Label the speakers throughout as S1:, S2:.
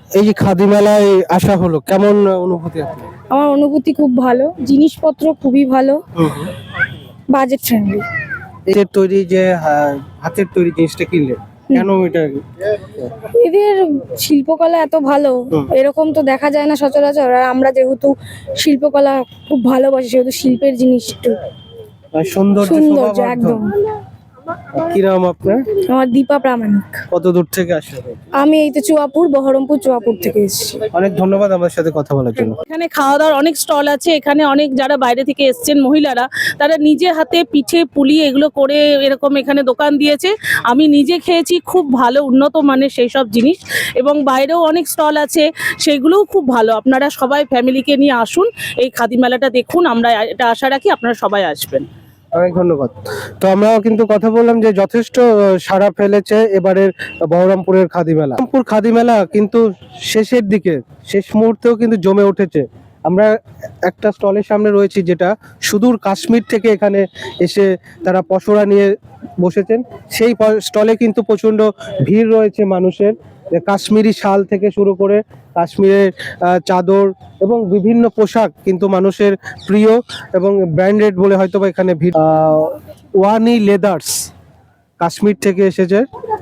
S1: এই যে খাদি মেলায় আসা হলো, কেমন অনুভূতি আপনার?
S2: আমার অনুভূতি খুব ভালো, জিনিসপত্র খুবই ভালো, বাজেট ফ্রেন্ডলি।
S1: এই যে তৈরি যে হাতের তৈরি জিনিসটা কিনলেন, কেন এটা?
S2: এদের শিল্পকলা এত ভালো, এরকম তো দেখা যায় না সচরাচর। আর আমরা যেহেতু শিল্পকলা খুব ভালোবাসি, সেহেতু শিল্পের জিনিস একটু
S1: সৌন্দর্য
S2: সৌন্দর্য একদম।
S1: কি নাম আপনার?
S2: আমার দীপা প্রামাণিক।
S1: কত দূর থেকে আসলে?
S2: আমি এই তো বহরমপুর চুয়াপুর থেকে এসেছি।
S1: অনেক ধন্যবাদ আমার সাথে কথা বলার জন্য।
S3: এখানে খাওয়া দাওয়ার অনেক স্টল আছে। এখানে অনেক যারা বাইরে থেকে এসছেন মহিলারা, তারা নিজে হাতে পিঠে পুলি এগুলো করে এরকম এখানে দোকান দিয়েছে। আমি নিজে খেয়েছি, খুব ভালো উন্নত মানের সেই সব জিনিস। এবং বাইরেও অনেক স্টল আছে, সেগুলোও খুব ভালো। আপনারা সবাই ফ্যামিলিকে নিয়ে আসুন, এই খাদি মেলাটা দেখুন। আমরা এটা আশা রাখি আপনারা সবাই আসবেন।
S1: অনেক ধন্যবাদ। তো আমরাও কিন্তু কথা বললাম যে যথেষ্ট সাড়া ফেলেছে এবারের বহরমপুরের খাদি মেলা। বহরমপুর খাদি মেলা কিন্তু শেষের দিকে, শেষ মুহূর্তেও কিন্তু জমে উঠেছে। আমরা একটা স্টলের সামনে রয়েছি, যেটা সুদূর কাশ্মীর থেকে এখানে এসে তারা পসরা নিয়ে বসেছেন। সেই স্টলে কিন্তু প্রচন্ড ভিড় রয়েছে মানুষের। কাশ্মীরি শাল থেকে শুরু করে কাশ্মীরের চাদর এবং বিভিন্ন পোশাক কিন্তু মানুষের প্রিয় এবং ব্র্যান্ডেড বলে হয়তো বা এখানে ভিড়। ওয়ানি লেদার্স কাশ্মীর থেকে এসেছে।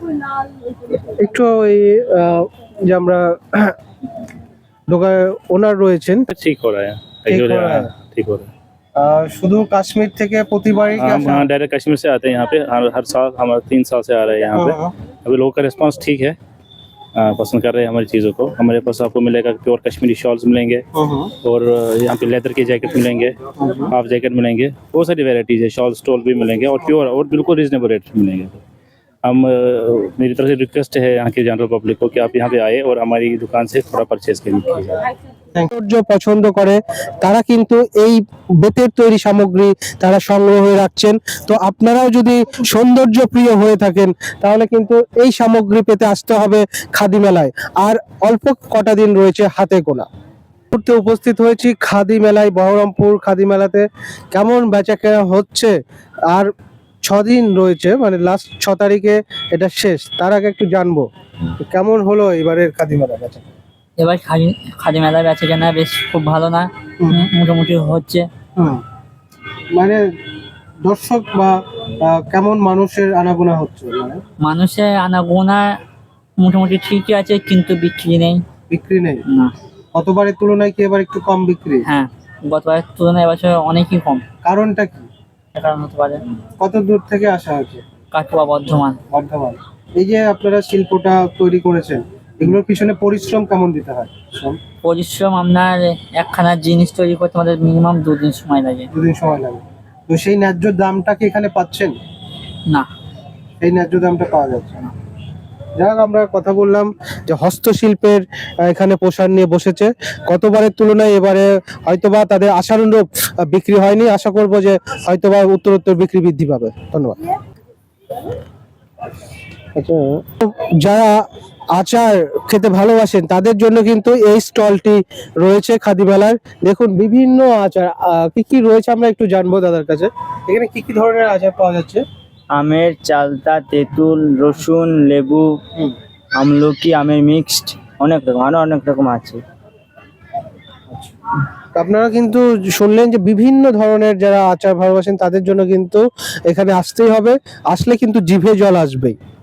S1: একটু ওই যে আমরা দোকান ওনার রয়েছেন,
S4: ठीक हो रहा है।
S1: ठीक हो रहा है।
S4: ठीक हो रहा है।
S1: শুধু কাশ্মীর থেকে প্রতিবারই কি
S4: हम
S1: আসা?
S4: हाँ डायरेक्ट कश्मीर से आते हैं यहाँ पे, हर साल हमारे 3 साल से आ रहे हैं यहाँ पे। अभी लोगों का रिस्पांस ठीक है, पसंद कर रहे हैं हमारी चीज़ों को। हमारे पास आपको मिलेगा प्योर कश्मीरी शॉल्स मिलेंगे, और यहाँ पे लेदर के जैकेट मिलेंगे, हाफ जैकेट मिलेंगे, बहुत सारी वेराइटीज है। शॉल स्टॉल भी मिलेंगे और प्योर और बिल्कुल रीजनेबल रेट मिलेंगे। मेरी तरफ से रिक्वेस्ट है यहाँ की जनरल पब्लिक को कि आप यहाँ पे आए और हमारी दुकान से थोड़ा परचेज करिए।
S1: সৌন্দর্য পছন্দ করে তারা কিন্তু এই বেতের তৈরি সামগ্রী তারা সংগ্রহ রাখছেন। তো আপনারাও যদি সৌন্দর্য প্রিয় হয়ে থাকেন, তাহলে কিন্তু এই সামগ্রী পেতে আসতে হবে খাদি মেলায়। আর অল্প কটা দিন রয়েছে হাতে গোনা। মুহূর্তে উপস্থিত হয়েছি খাদি মেলায়, বহরমপুর খাদি মেলাতে। কেমন বেচাকেনা হচ্ছে? আর 6 দিন রয়েছে, মানে লাস্ট 6 তারিখে এটা শেষ। তার আগে একটু জানবো কেমন হলো এবারের খাদি মেলা বেচা।
S5: এবার খাদি মেলা বেচে কেনা বেশ খুব ভালো না, মোটামুটি হচ্ছে।
S1: মানে দর্শক বা কেমন মানুষের আনাগোনা হচ্ছে? মানে
S5: মানুষের আনাগোনা মোটামুটি ঠিকই আছে, কিন্তু বিক্রি নেই।
S1: বিক্রি নেই?
S5: না।
S1: গতবারের তুলনায় কি এবার একটু কম বিক্রি?
S5: হ্যাঁ, গতবারের তুলনায় এবছর অনেকই কম।
S1: কারণটা কি?
S5: কারণ হতে পারে
S1: কত দূর থেকে আসা হয়েছে?
S5: কাটুয়া, বর্ধমান।
S1: বর্ধমান। এই যে আপনারা শিল্পটা তৈরি করেছেন, এগুলোর পিছনে পরিশ্রম কেমন দিতে হয়?
S5: পরিশ্রম আপনার একখানা জিনিস তৈরি করতে আমাদের মিনিমাম 2 দিন সময় লাগে।
S1: 2 দিন সময় লাগে। তো সেই ন্যায্য দামটা কি এখানে পাচ্ছেন?
S5: না,
S1: এই ন্যায্য দামটা পাওয়া যাচ্ছে না। যাক, আমরা কথা বললাম যে হস্তশিল্পের এখানে পোশাক নিয়ে বসেছে। গতবারের তুলনায় এবারে হয়তোবা তাদের আশানুরূপ বিক্রি হয়নি। আশা করব যে হয়তোবা উত্তরোত্তর বিক্রি বৃদ্ধি পাবে। ধন্যবাদ। আচ্ছা, যারা আচার খেতে ভালোবাসেন তাদের জন্য কিন্তু এই স্টলটি রয়েছে খাদি মেলার। দেখুন বিভিন্ন আচার কি কি রয়েছে আমরা একটু জানবো দাদার কাছে। এখানে কি কি ধরনের আচার পাওয়া যাচ্ছে?
S5: আমের চালতা, তেঁতুল, রসুন, লেবু, আমলকি, আমের মিক্সড, অনেক রকম, আরো অনেক রকম আছে।
S1: আপনারা কিন্তু শুনলেন যে বিভিন্ন ধরনের যারা আচার ভালোবাসেন তাদের জন্য কিন্তু এখানে আসতেই হবে। আসলে কিন্তু জিভে জল আসবেই।